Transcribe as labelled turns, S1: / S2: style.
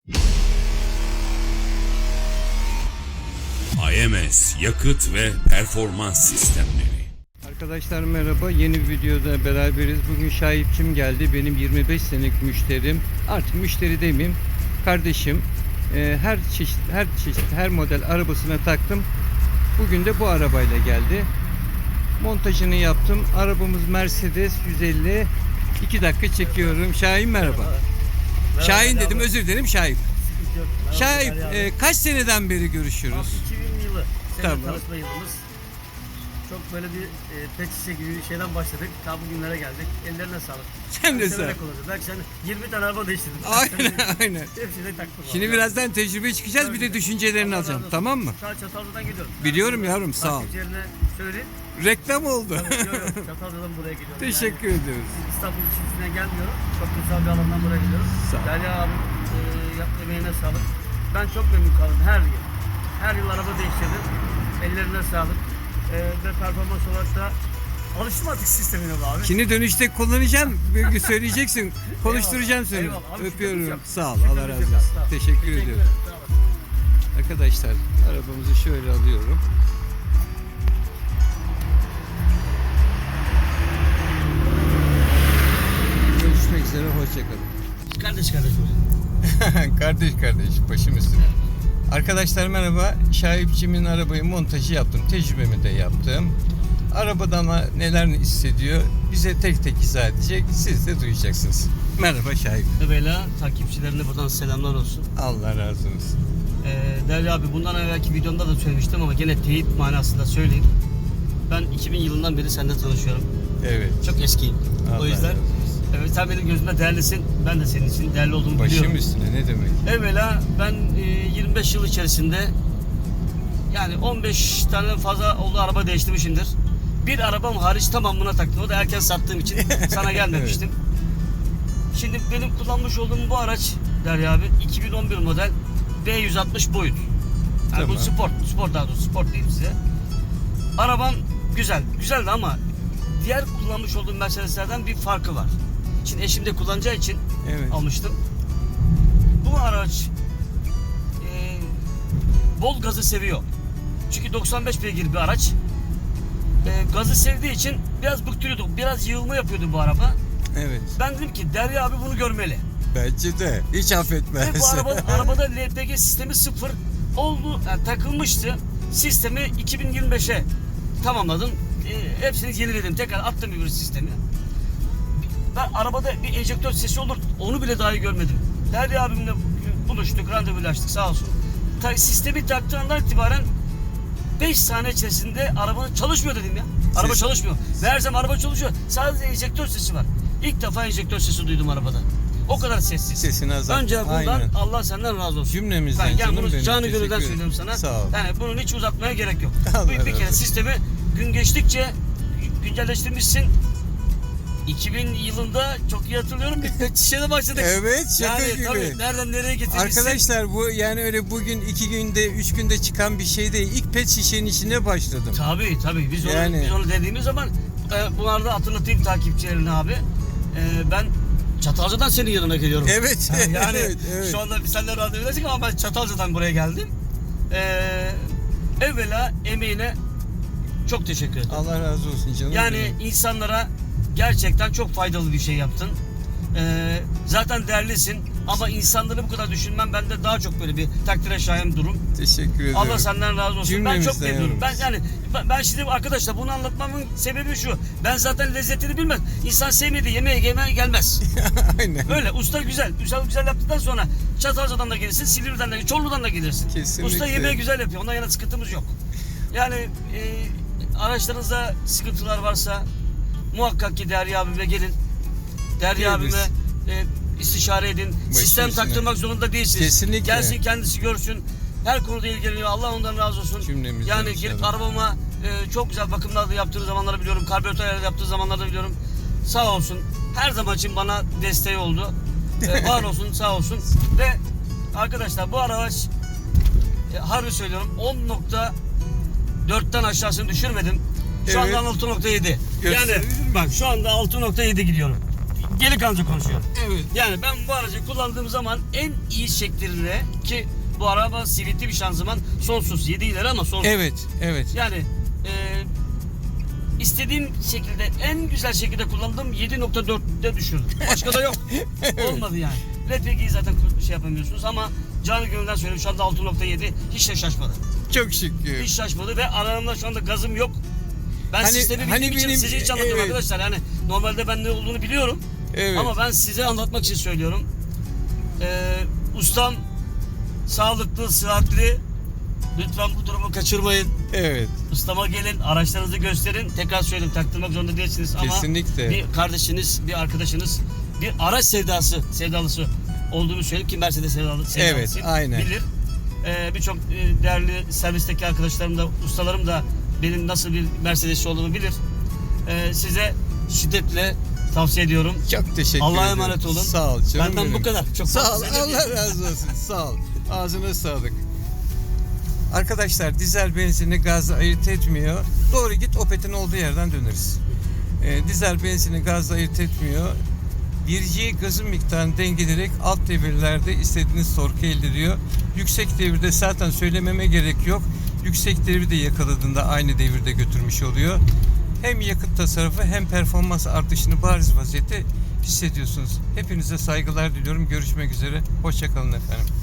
S1: AMS Yakıt ve Performans Sistemleri.
S2: Arkadaşlar merhaba, yeni bir videoda beraberiz. Bugün Şahipçim geldi, benim 25 senelik müşterim. Artık müşteri demeyeyim, kardeşim. Her model arabasına taktım. Bugün de bu arabayla geldi. Montajını yaptım. Arabamız Mercedes 150. 2 dakika çekiyorum. Şahin merhaba. Şahin dedim, özür dilerim Şahin. Şahin, kaç seneden beri görüşüyoruz?
S3: 2000 yılı. Seninle
S2: Tamam.
S3: tanışma yılımız. Çok böyle bir pet şişe gibi bir şeyden başladık. Ta bugünlere geldik. Ellerine sağlık.
S2: Sen de sağ ol.
S3: Belki sen 20 tane araba değiştirdin.
S2: Aynen.
S3: Hepsini taktım.
S2: Şimdi birazdan tecrübe çıkacağız, bir de düşüncelerini alacağım. Tamam mı?
S3: Şu an Çatalca'dan geliyorum.
S2: Biliyorum yavrum, sağ ol.
S3: Takipçilerine söyleyeyim.
S2: Reklam oldu.
S3: Çatalca'dan buraya geliyorum.
S2: Teşekkür ediyoruz.
S3: Yani İstanbul içerisinden gelmiyorum. Çok güzel bir alandan buraya geliyorum.
S2: Sağ ol.
S3: Derya abi emeğine sağlık. Ben çok memnun kaldım her yıl. Her yıl araba değiştirdim. Ellerine sağlık. Ve performans olarak da alıştım artık sistemine bu abi.
S2: Şimdi dönüşte kullanacağım, bir gün söyleyeceksin, konuşturacağım seni.
S3: Eyvallah. Abi, şükürler
S2: Öpüyorum.
S3: olsun.
S2: Sağ ol,
S3: Şükürler
S2: Allah razı
S3: olsun.
S2: olsun.
S3: Sağ ol.
S2: Teşekkür ediyorum.
S3: ederim. Sağ olun.
S2: Arkadaşlar, arabamızı şöyle alıyorum. Görüşmek üzere, hoşçakalın.
S3: Kardeş.
S2: Kardeş, başım üstüne. Arkadaşlar merhaba, Şahipçim'in arabayı montajı yaptım, tecrübemi de yaptım. Arabadan neler hissediyor bize tek tek izah edecek, siz de duyacaksınız. Merhaba Şahip.
S3: Beyla takipçilerine buradan selamlar olsun.
S2: Allah razı olsun.
S3: Derya abi bundan evvelki videomda da söylemiştim ama gene teyit manasında söyleyeyim. Ben 2000 yılından beri seninle tanışıyorum.
S2: Evet.
S3: Çok eskiyim.
S2: Allah
S3: O yüzden
S2: razı olsun.
S3: evet, sen benim gözümde değerlisin. Ben de senin için değerli olduğumu biliyorum.
S2: Başım üstüne, ne demek?
S3: Evvela ben 25 yıl içerisinde yani 15 tane fazla oldu araba değiştirmişimdir. Bir arabam hariç tamamına taktım. O da erken sattığım için sana gelmemiştim. Şimdi benim kullanmış olduğum bu araç Derya abi 2011 model B160 boyut. Yani
S2: Tamam.
S3: bu spor daha doğrusu spor diyeyim size. Arabam güzeldi ama diğer kullanmış olduğum Mercedeslerden bir farkı var. Şimdi eşim de kullanacağı için
S2: Evet.
S3: almıştım. Bu araç bol gazı seviyor. Çünkü 95 beygir bir araç. Gazı sevdiği için biraz bıktırıyordu. Biraz yığılma yapıyordu bu araba.
S2: Evet.
S3: Ben dedim ki Derya abi bunu görmeli.
S2: Bence de. Hiç affetmez.
S3: Ve bu arabada LPG sistemi sıfır oldu, yani takılmıştı. Sistemi 2025'e tamamladım. Hepsini yeniledim. Tekrar attım bir sistemi. Ben arabada bir enjektör sesi olur. Onu bile dahi görmedim. Derya abimle buluştuk, randevulaştık sağ olsun. Sistemi taktığından itibaren 5 saniye içerisinde araba çalışmıyor dedim ya. Araba çalışmıyor. Meğersem araba çalışıyor. Sadece enjektör sesi var. İlk defa enjektör sesi duydum arabada. O kadar sessiz.
S2: Sesini azalt.
S3: Önce bundan
S2: Aynen.
S3: Allah senden razı olsun.
S2: Cümlemizden
S3: Ben
S2: canım
S3: bunu
S2: benim.
S3: canı
S2: Teşekkür
S3: gönülden
S2: ederim.
S3: söylüyorum sana.
S2: Sağ ol.
S3: Yani bunun hiç uzatmaya gerek yok.
S2: Allah
S3: Bir
S2: razı
S3: kere
S2: olsun.
S3: sistemi gün geçtikçe güncelleştirmişsin. 2000 yılında çok iyi hatırlıyorum bir pet şişede başladık.
S2: Evet, şaka
S3: yani,
S2: gibi.
S3: Tabii, nereden nereye getirmişsin.
S2: Arkadaşlar bu yani öyle bugün 2 günde 3 günde çıkan bir şey değil. İlk pet şişenin içine başladım.
S3: Tabii biz
S2: Yani.
S3: biz onu dediğimiz zaman bunları da hatırlatayım takipçilerine abi. Ben Çatalca'dan senin yanına geliyorum.
S2: Evet.
S3: Yani
S2: evet.
S3: şu anda biz seninle randevulaştık ama ben Çatalca'dan buraya geldim. Evvela emeğine çok teşekkür ederim.
S2: Allah razı olsun canım.
S3: Yani
S2: benim.
S3: insanlara gerçekten çok faydalı bir şey yaptın. Zaten değerlisin ama insanları bu kadar düşünmem bende daha çok böyle bir takdire şayan durum.
S2: Teşekkür ederim.
S3: Allah senden razı olsun. Ben çok
S2: Cümlemizden
S3: memnunum.
S2: yavrum.
S3: Ben şimdi arkadaşlar bunu anlatmamın sebebi şu. Ben zaten lezzetini bilmem. İnsan sevmediği yemeğe gelmez.
S2: Aynen.
S3: Öyle usta güzel yaptıktan sonra Çatalca'dan da gelirsin, Silivri'den de, Çorlu'dan da gelirsin.
S2: Kesinlikle.
S3: Usta yemeği güzel yapıyor. Ondan yana sıkıntımız yok. Yani araçlarınızda sıkıntılar varsa muhakkak ki Derya abime gelin. Derya
S2: Geliriz.
S3: abime istişare edin. Sistem
S2: üstüne.
S3: taktırmak zorunda değilsiniz.
S2: Kesinlikle.
S3: Gelsin kendisi görsün. Her konuda ilgileniyor. Allah ondan razı olsun.
S2: Cümlemizden
S3: Yani gelip
S2: inşallah.
S3: arabama çok güzel bakımlar da yaptığı zamanları biliyorum. Karbüratör yaptığı zamanları da biliyorum. Sağ olsun. Her zaman için bana desteği oldu. Var olsun, sağ olsun. Ve arkadaşlar bu araç harbi söylüyorum 10.4'ten aşağısını düşürmedim. Şu
S2: Evet.
S3: anda 6.7. Yani
S2: Gösterebilir miyim?
S3: bak şu anda 6.7 gidiyorum. Geri kalıcı konuşuyorum.
S2: Evet.
S3: Yani ben bu aracı kullandığım zaman en iyi şekliyle, ki bu araba CVT bir şanzıman, sonsuz 7 ileri ama sonsuz.
S2: Evet. Evet.
S3: Yani istediğim şekilde, en güzel şekilde kullandım, 7.4'te düşürdüm. Başka da yok. Olmadı yani. LPG'yi zaten şey yapamıyorsunuz ama canı gönülden söylüyorum, şu anda 6.7, hiç de şaşmadı.
S2: Çok şükür.
S3: Hiç şaşmadı ve aranımda şu anda gazım yok. Ben
S2: Hani-
S3: sistemi bildiğim
S2: hani
S3: için
S2: benim-
S3: size hiç anlatıyorum
S2: evet.
S3: arkadaşlar. Yani normalde ben ne olduğunu biliyorum.
S2: Evet.
S3: Ama ben size anlatmak için söylüyorum. Ustam sağlıklı, sıhhatli. Lütfen bu durumu kaçırmayın.
S2: Evet.
S3: Ustama gelin, araçlarınızı gösterin. Tekrar söyleyeyim, taktırmak zorunda değilsiniz ama
S2: Kesinlikle.
S3: bir kardeşiniz, bir arkadaşınız, bir araç sevdalısı olduğunu söyleyip ki Mercedes sevdalısı
S2: Evet, aynen.
S3: bilir. Birçok değerli servisteki arkadaşlarım da, ustalarım da benim nasıl bir Mercedes'çi olduğumu bilir. Size şiddetle tavsiye ediyorum.
S2: Çok teşekkür
S3: Allah'a
S2: ederim.
S3: emanet olun.
S2: Sağ ol canım
S3: Benden
S2: benim.
S3: bu kadar. Çok
S2: Sağ ol.
S3: fazla söyleyemeyeceğim.
S2: Allah razı olsun. Sağ ol. Ağzına sağlık. Arkadaşlar dizel benzini gazla ayırt etmiyor. Doğru git, Opet'in olduğu yerden döneriz. Dizel benzini gazla ayırt etmiyor. Virciye gazın miktarını dengeleyerek alt devirlerde istediğiniz torku elde ediyor. Yüksek devirde zaten söylememe gerek yok. Yüksek devri de yakaladığında aynı devirde götürmüş oluyor. Hem yakıt tasarrufu hem performans artışını bariz vaziyette hissediyorsunuz. Hepinize saygılar diliyorum. Görüşmek üzere. Hoşça kalın efendim.